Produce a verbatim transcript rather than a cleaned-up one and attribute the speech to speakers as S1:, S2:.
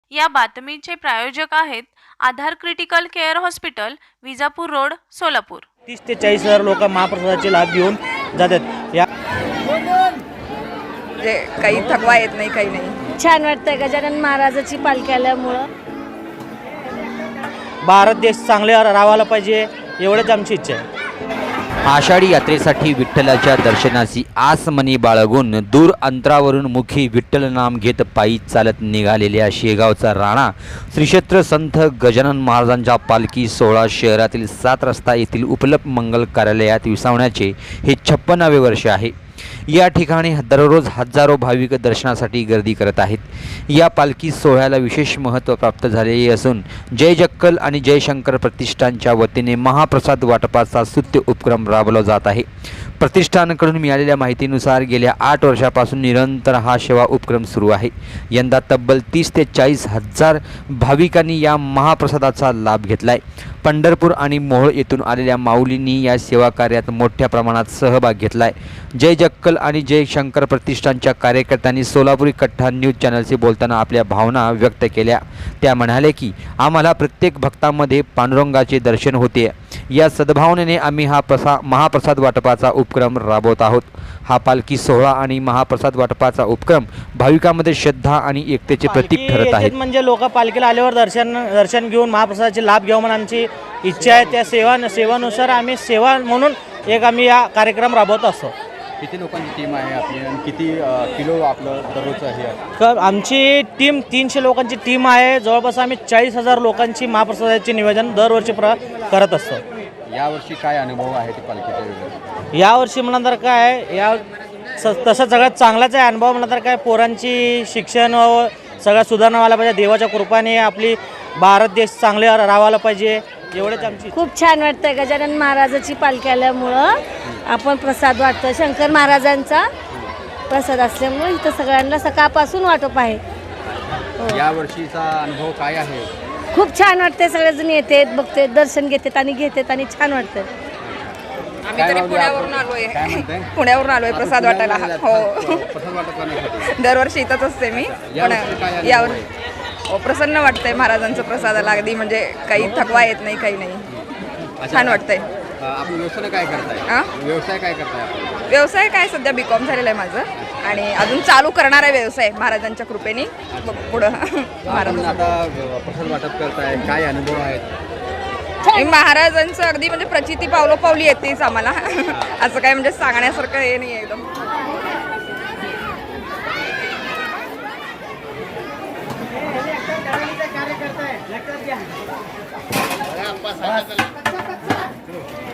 S1: या बातमीचे प्रायोजक आहेत Aadhaar critical care hospital, Vijapur road, Solapur.
S2: तीस ते चाळीस हजार लोक महाप्रसादाचे लाभ घेऊन जातात। या
S3: जे काही थकवा येत नाही, काही नाही।
S4: छान वाटतंय गजानन महाराजाची पालखी आल्यामुळं।
S2: भारत देश चांगले राहायला पाहिजे एवढंच आमची इच्छा आहे।
S5: आषाढी यात्रेसाठी विठ्ठलाच्या दर्शनाची आस मनी बाळगून दूर अंतरावरून मुखी विठ्ठल नाम घेत पायी चालत निघालेल्या शेगावचा राणा श्री क्षेत्र संत गजानन महाराजांच्या पालखी सोहळा शहरातील सात रस्ता येथील उपलब्ध मंगल कार्यालयात विसावण्याचे हे छप्पनावे वर्ष आहे। या ठिकाणी दररोज हजारो भाविक दर्शनासाठी गर्दी करत आहेत। या पालखी सोहळ्याला विशेष महत्त्व प्राप्त झालेले असून जय जक्कल आणि जय शंकर प्रतिष्ठानच्या वतीने महाप्रसाद वाटपाचा स्तुत्य उपक्रम राबवला जात आहे। प्रतिष्ठानकडून मिळालेल्या माहितीनुसार गेल्या आठ वर्षापासून निरंतर हा सेवा उपक्रम सुरू आहे। यंदा तब्बल तीस ते चाळीस हजार भाविकांनी या महाप्रसादाचा लाभ घेतलाय। पंढरपूर आणि मोहोळ येथून आलेल्या माऊलींनी या सेवा कार्यात मोठ्या प्रमाणात सहभाग घेतलाय। जय जक्कल आणि जय शंकर प्रतिष्ठानच्या कार्यकर्त्यांनी सोलापुरी कट्टा न्यूज चॅनलशी बोलताना आपल्या भावना व्यक्त केल्या। त्या म्हणाले की आम्हाला प्रत्येक भक्तामध्ये पांडुरंगाचे दर्शन होते। या सद्भावनेने आम्ही हा प्रसा महाप्रसाद वाटपाचा उपक्रम राबवत आहोत। हा पालखी सोहळा आणि महाप्रसाद वाटपाचा उपक्रम भाविकांमध्ये श्रद्धा आणि एकतेचे प्रतीक ठरत आहे।
S2: म्हणजे लोक पालखीला आल्यावर दर्शन दर्शन घेऊन महाप्रसादाचे लाभ घ्यावं म्हणून आमची इच्छा आहे। त्या सेवा सेवानुसार आम्ही सेवा म्हणून एक आम्ही हा कार्यक्रम राबवत असतो।
S6: किती लोकांची टीम आहे आपली आणि किती किलो आपलं दररोजचं हे आहे?
S2: तर आमची टीम तीनशे लोकांची टीम आहे। जवळपास आम्ही चाळीस हजार लोकांची महाप्रसादाचे नियोजन दरवर्षी प्र करत असतो।
S6: यावर्षी काय अनुभव आहे ते पालखीच्या वेळेला?
S2: यावर्षी म्हणा तर काय या स तसं सगळ्यात चांगलाच आहे अनुभव म्हणा तर काय पोरांची शिक्षण व सगळ्या सुधारणा व्हायला पाहिजे। देवाच्या कृपाने आपली भारत देश चांगले राहायला पाहिजे एवढेच आमची।
S4: खूप छान वाटतंय गजानन महाराजाची पालखी आल्यामुळं। आपण प्रसाद वाटतो शंकर महाराजांचा प्रसाद असल्यामुळे इथं सगळ्यांना सकाळपासून वाटप आहे।
S6: या वर्षीचा अनुभव काय आहे?
S4: खूप छान वाटते, सगळेजण येतात, बघते, दर्शन घेतात आणि घेतात आणि छान वाटतं।
S3: आम्ही तरी पुण्यावरून आलोय
S6: काय म्हणताय?
S3: पुण्यावरून आलोय प्रसाद वाटायला। हो,
S6: प्रसाद वाटप करण्यासाठी
S3: दरवर्षी इथंच असते मी।
S6: यावर्षी काय अनुभव
S3: यावर
S6: आहे?
S3: हो, प्रसन्न वाटतंय महाराजांचं प्रसादाला। अगदी म्हणजे काही थकवा येत नाही, काही नाही। छान वाटतंय।
S6: अ, आपण व्यवसाय काय करताय?
S3: आ?
S6: व्यवसाय काय करताय आपण?
S3: व्यवसाय काय सध्या बी कॉम झालेला आहे माझं आणि अजून चालू करणार आहे व्यवसाय महाराजांच्या कृपेने पुढं।
S6: आपण आता प्रसाद वाटप करताय, काय अनुभव आहेत?
S3: आणि महाराजांचं अगदी म्हणजे प्रचिती पावलोपावली येतेच आम्हाला। असं काय म्हणजे सांगण्यासारखं हे नाही आहे एकदम।
S2: कार्यकर्ता आहे